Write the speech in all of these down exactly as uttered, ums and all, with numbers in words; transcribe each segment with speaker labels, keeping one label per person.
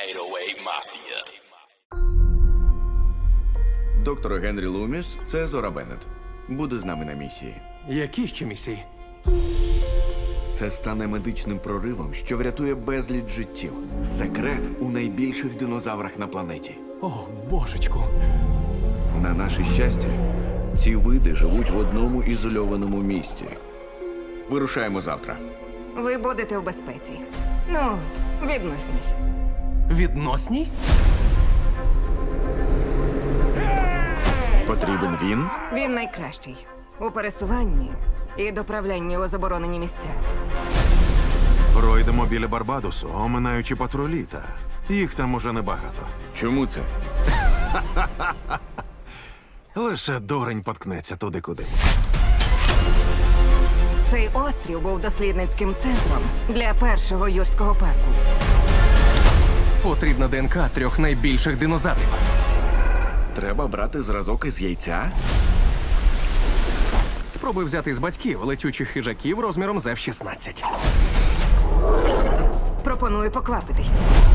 Speaker 1: eight oh eight Mafia.
Speaker 2: Доктор Генрі Луміс – це Зора Беннет. Буде з нами на місії.
Speaker 3: Які ще місії?
Speaker 2: Це стане медичним проривом, що врятує безліч життів. Секрет у найбільших динозаврах на планеті.
Speaker 3: О, божечку.
Speaker 2: На наше щастя, ці види живуть в одному ізольованому місці. Вирушаємо завтра.
Speaker 4: Ви будете в безпеці. Ну, відносній.
Speaker 3: Відносній?
Speaker 2: Потрібен він?
Speaker 4: Він найкращий у пересуванні і доправлянні у заборонені місця.
Speaker 5: Пройдемо біля Барбадосу, оминаючи патрулі, та їх там уже небагато.
Speaker 2: Чому це?
Speaker 5: Лише дурень поткнеться туди, куди.
Speaker 4: Цей острів був дослідницьким центром для першого юрського парку.
Speaker 3: Потрібна ДНК трьох найбільших динозаврів.
Speaker 2: Треба брати зразок із яйця?
Speaker 3: Спробуй взяти з батьків летючих хижаків розміром з еф шістнадцять.
Speaker 4: Пропоную поквапитись.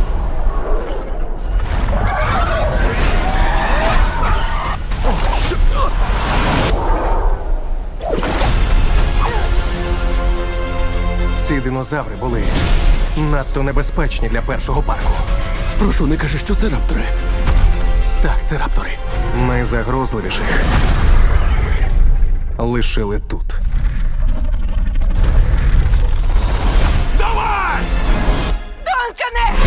Speaker 3: Ці динозаври були надто небезпечні для першого парку.
Speaker 6: Прошу, не кажи, що це раптори.
Speaker 3: Так, це раптори. Найзагрозливіших лишили тут.
Speaker 4: Донкане!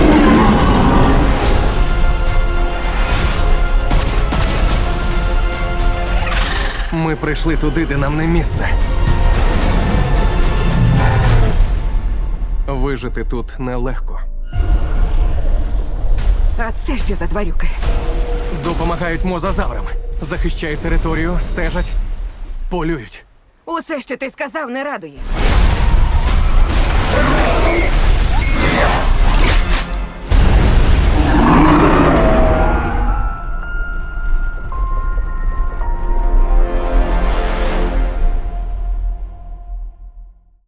Speaker 3: Ми прийшли туди, де нам не місце. Вижити тут нелегко.
Speaker 4: А це що за тварюки?
Speaker 3: Допомагають мозазаврам. Захищають територію, стежать, полюють.
Speaker 4: Усе, що ти сказав, не радує.